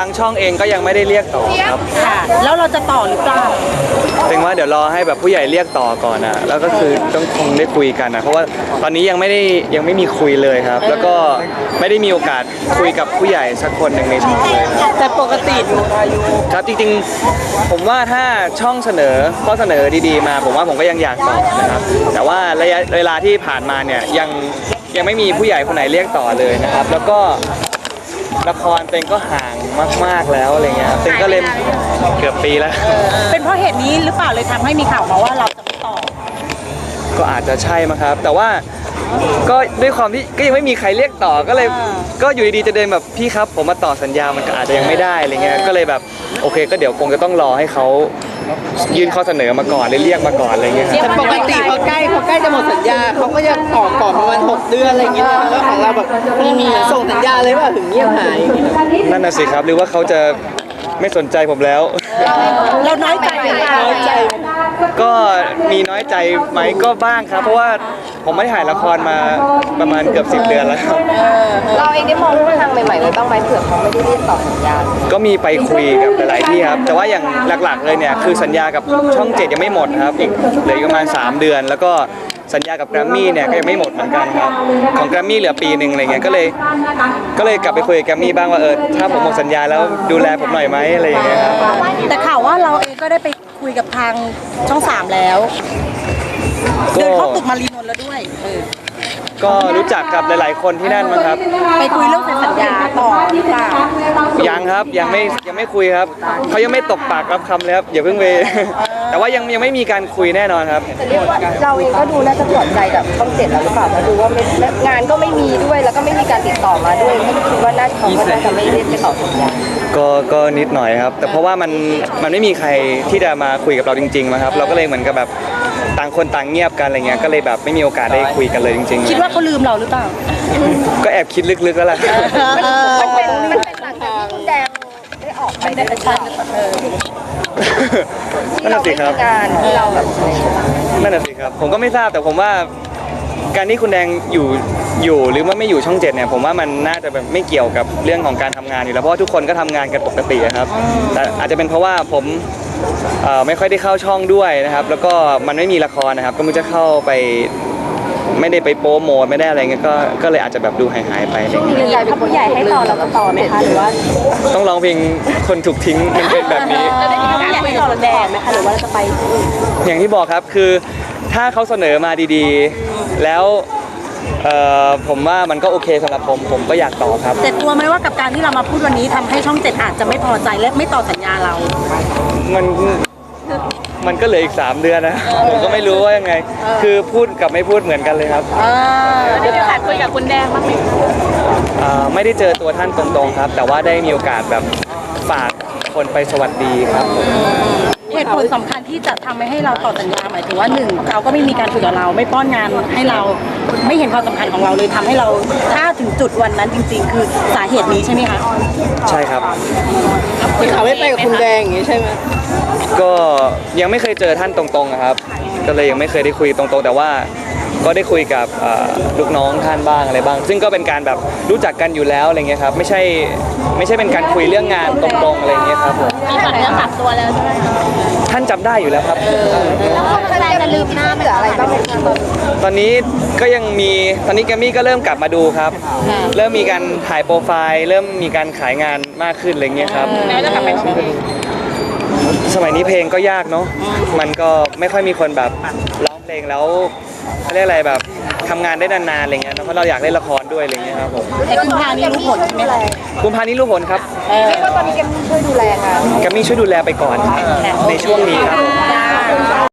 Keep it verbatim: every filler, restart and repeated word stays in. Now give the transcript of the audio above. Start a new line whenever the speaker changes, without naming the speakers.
างช่องเองก็ยังไม่ได้เรียกต่อครับ
ค่ะแล้วเราจะต่อหรือเปล่า
ถึงว่าเดี๋ยวรอให้แบบผู้ใหญ่เรียกต่อก่อนนะแล้วก็คือต้องคงได้คุยกันนะเพราะว่าตอนนี้ยังไม่ได้ยังไม่มีคุยเลยครับแล้วก็ไม่ได้มีโอกาสคุยกับผู้ใหญ่สักคนหนึ่งในช่องเลย
แต่ปกติ
ครับจริงๆผมว่าถ้าช่องเสนอข้อเสนอดีๆมาผมว่าผมก็ยังอยากต่อนะครับแต่ว่าระยะเวลาที่ผ่านมาเนี่ยยังยังไม่มีผู้ใหญ่คนไหนเรียกต่อเลยนะครับแล้วก็ละครเต็งก็ห่างมากๆแล้วอะไรเงี้ยเต็งก็เล่นเกือบปีแล้ว
เป็นเพราะเหตุนี้หรือเปล่าเลยทำให้มีข่าวมาว่าเราจะไม่ต่อ
ก็อาจจะใช่มั้งครับแต่ว่าก็ด้วยความที่ก็ยังไม่มีใครเรียกต่อก็เลยก็อยู่ดีๆจะเดินแบบพี่ครับผมมาต่อสัญญามันก็อาจจะยังไม่ได้อะไรเงี้ยก็เลยแบบโอเคก็เดี๋ยวคงจะต้องรอให้เขายื่นข้อเสนอมาก่อนเรียกมาก่อนอะไรเงี้ย
แต่ปกติพอใกล้พอใกล้จะหมดสัญญาเขาก็จะต่อก่อนประมาณหกเดือนอะไรอย่างเงี้ยแล้วของเราแบบไม่มีส่งสัญญาเลยว่าถึงเงียบหาย
นั่นน่ะสิครับหรือว่าเขาจะไม่สนใจผมแล้ว
เราน้อยใจ
น้อยใจ
ก็มีน้อยใจไหมก็บ้างครับเพราะว่าผมไม่ได้ถ่ายละครมาประมาณเกือบสิบเดือนแล้วครับ
เราเองได้มองว่าทางใหม่ๆเลยต้องไปเผื่อเขาไม่ได้เรียกต่อสัญญา
ก็มีไปคุยกับหลายๆที่ครับแต่ว่าอย่างหลักๆเลยเนี่ยคือสัญญากับช่องเจ็ดยังไม่หมดครับอีกเหลือประมาณสามเดือนแล้วก็สัญญากับแกรมมี่เนี่ยก็ยังไม่หมดเหมือนกันครับของแกรมมี่เหลือปีหนึ่งอะไรเงี้ยก็เลยก็เลยกลับไปคุยกับแกรมมี่บ้างว่าเออถ้าผมหมดสัญญาแล้วดูแลผมหน่อยไหมอะไรอย่างเงี้ยครับ
แต่ข่าวว่าเราเองก็ได้ไปคุยกับทางช่องสามแล้วเดินเข้าตึกมารีนนท์แล้วด้วย
ก็รู้จักกับหลายๆคนที่นั่นมั้งครับ
ไปคุยเรื่องเซ็นสัญญาต่อหรือเปล่า
ยังครับยังไม่ยังไม่คุยครับเขายังไม่ตกปากรับคำเลยครับอย่าเพิ่งไปแต่ว่ายังยังไม่มีการคุยแน่นอนครับ
เราเองก็ดูน่าจะปลอดใจกับช่องเจ็ดแล้วหรือเปล่าเพราะดูว่างานก็ไม่มีด้วยแล้วก็ไม่มีการติดต่อมาด้วยก็คิดว่าน่าจะเขาก็น่าจะไม่เรียกไปต่อสัญญา
ก็ก็นิดหน่อยครับแต่เพราะว่ามันมันไม่มีใครที่จะมาคุยกับเราจริงๆนะครับเราก็เลยเหมือนกับแบบต่างคนต่างเงียบกันอะไรเงี้ยก็เลยแบบไม่มีโอกาสได้คุยกันเลยจริงๆ
คิดว่าเขาลืมเราหรือเปล่า
ก็แอบคิดลึกๆแล้วแหละ
มันเป็นมันเป็นหลังจากที่คุณแดงได้ออกไปได้ประชัน
นั่นน่ะสิครับ
ที่เราแบบ
นั่นน่ะสิครับผมก็ไม่ทราบแต่ผมว่าการที่คุณแดงอยู่อยู่หรือว่าไม่อยู่ช่องเจ็ดเนี่ยผมว่ามันน่าจะแบบไม่เกี่ยวกับเรื่องของการทำงานอยู่แล้วเพราะว่าทุกคนก็ทำงานกันปกติครับแต่อาจจะเป็นเพราะว่าผมไม่ค่อยได้เข้าช่องด้วยนะครับแล้วก็มันไม่มีละครนะครับก็ไม่จะเข้าไปไม่ได้ไปโปรโมทไม่ได้อะไรเงี้ยก็ก็เลยอาจจะแบบดูหายหายไป
ช่วงนี้กลายเป็นผู้ใหญ่ให้ต่อเราก็ต่อไหมคะหรือว่า
ต้องร้องเพลงคนถูกทิ้งมันเป็นแบบนี้
จะได้มีผู้ใหญ่ให้ต่อแดงไหมคะหรือว่าจะไป
อย่างที่บอกครับคือถ้าเขาเสนอมาดีๆแล้วผมว่ามันก็โอเคสำหรับผมผมก็อยากต่อครับ
แต่กลัวไหมว่ากับการที่เรามาพูดวันนี้ทำให้ช่องเจ็ดอาจจะไม่พอใจและไม่ต่อสัญญาเรา
มันมันก็เหลืออีกสามเดือนนะผมก็ไม่รู้ว่ายังไงคือพูดกับไม่พูดเหมือนกันเลยครับ
ได้มีโอกาสคุยกับคุณแดงบ้างไหม
ไม่ได้เจอตัวท่านตรงๆครับแต่ว่าได้มีโอกาสแบบฝากคนไปสวัสดีครับ
เหตุผลสำคัญที่จะทำให้เราต่อสัญญาหมายถึงว่าหนึ่งเขาก็ไม่มีการคุยกับเราไม่ป้อนงานให้เราไม่เห็นความสำคัญของเราเลยทำให้เราถ้าถึงจุดวันนั้นจริงๆคือสาเหตุนี้ใช่ไหมคะ
ใช่ครับ
คือเขาไม่ไปกับคุณแดงอย่างนี้ใช่ไหม
ก็ยังไม่เคยเจอท่านตรงๆนะครับก็เลยยังไม่เคยได้คุยตรงๆแต่ว่าก็ได้คุยกับลูกน้องท่านบ้างอะไรบ้างซึ่งก็เป็นการแบบรู้จักกันอยู่แล้วอะไรเงี้ยครับไม่ใช่ไม่ใช่เป็นการคุยเรื่องงานตรงๆอะไรเงี้ยครับผม
มีผ่านเรื่องตัดตัวแล้วใช่ไหม
ท่านจำได้อยู่แล้วครับ
แล้วคนแสดงจะลืมหน้าเหลืออะไรบ้างไหม
ตอนนี้ก็ยังมีตอนนี้แกมมี่ก็เริ่มกลับมาดูครับเริ่มมีการถ่ายโปรไฟล์เริ่มมีการขายงานมากขึ้นอะไรเงี้ยครับ
แล้วจะกลับไป
สมัยนี้เพลงก็ยากเนาะมันก็ไม่ค่อยมีคนแบบร้องเพลงแล้วเขาเรียกอะไรแบบทำงานได้นานๆอะไรเงี้ยเพราะเราอยากเล่นละครด้วยอะไรเงี้ยครับผม
แต่กุมภานี้รู้ผลใช่ไหมล่ะ
กุมภานี้รู้ผลครับ
ก็ตอนนี้แกมมี่ช่วยดูแลค่ะ
แกมมี่ช่วยดูแลไปก่อนในช่วงนี้ครับ